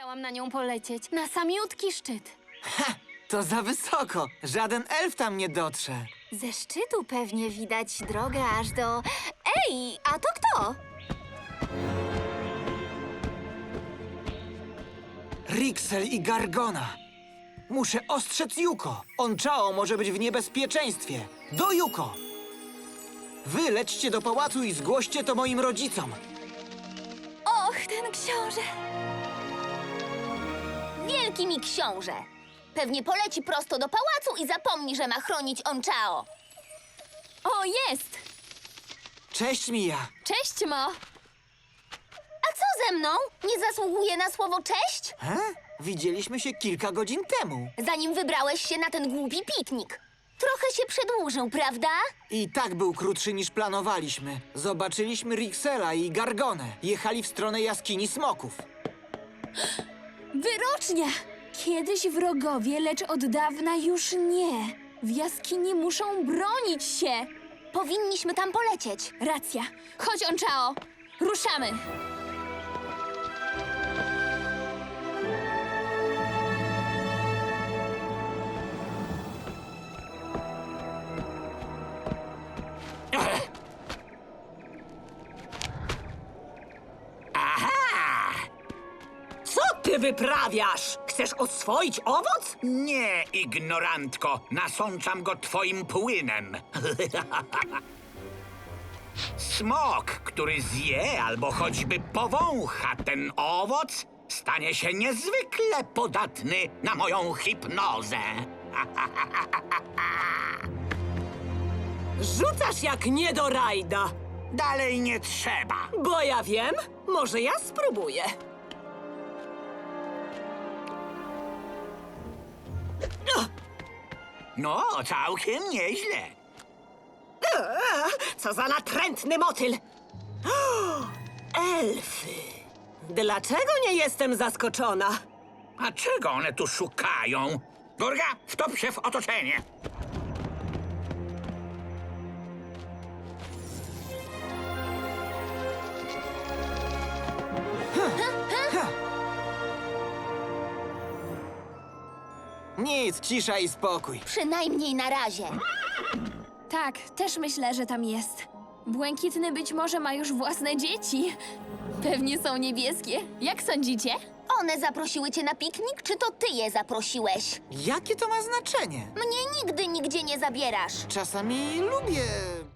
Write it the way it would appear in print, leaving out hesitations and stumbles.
Chciałam na nią polecieć, na samiutki szczyt. Ha! To za wysoko. Żaden elf tam nie dotrze. Ze szczytu pewnie widać drogę aż do... Ej, a to kto? Rixel i Gargona. Muszę ostrzec Yuko. Onchao może być w niebezpieczeństwie. Do Yuko! Wy lećcie do pałacu i zgłoście to moim rodzicom. Och, ten książę. Wielki mi książę. Pewnie poleci prosto do pałacu i zapomni, że ma chronić Onchao. O, jest! Cześć, Mija. Cześć, Mo. A co ze mną? Nie zasługuje na słowo cześć? Widzieliśmy się kilka godzin temu. Zanim wybrałeś się na ten głupi piknik. Trochę się przedłużył, prawda? I tak był krótszy niż planowaliśmy. Zobaczyliśmy Rixela i Gargonę. Jechali w stronę jaskini smoków. Wyrocznia! Kiedyś wrogowie, lecz od dawna już nie. W jaskini muszą bronić się. Powinniśmy tam polecieć. Racja. Chodź, Onchao. Ruszamy. Co ty wyprawiasz? Chcesz oswoić owoc? Nie, ignorantko, nasączam go twoim płynem. Smok, który zje albo choćby powącha ten owoc, stanie się niezwykle podatny na moją hipnozę. Rzucasz jak nie do rajda. Dalej nie trzeba. Bo ja wiem, może ja spróbuję. No, całkiem nieźle. Co za natrętny motyl! O, elfy! Dlaczego nie jestem zaskoczona? A czego one tu szukają? Durga, wtop się w otoczenie. Nic, cisza i spokój. Przynajmniej na razie. Tak, też myślę, że tam jest. Błękitny być może ma już własne dzieci. Pewnie są niebieskie. Jak sądzicie? One zaprosiły cię na piknik, czy to ty je zaprosiłeś? Jakie to ma znaczenie? Mnie nigdy nigdzie nie zabierasz. Czasami lubię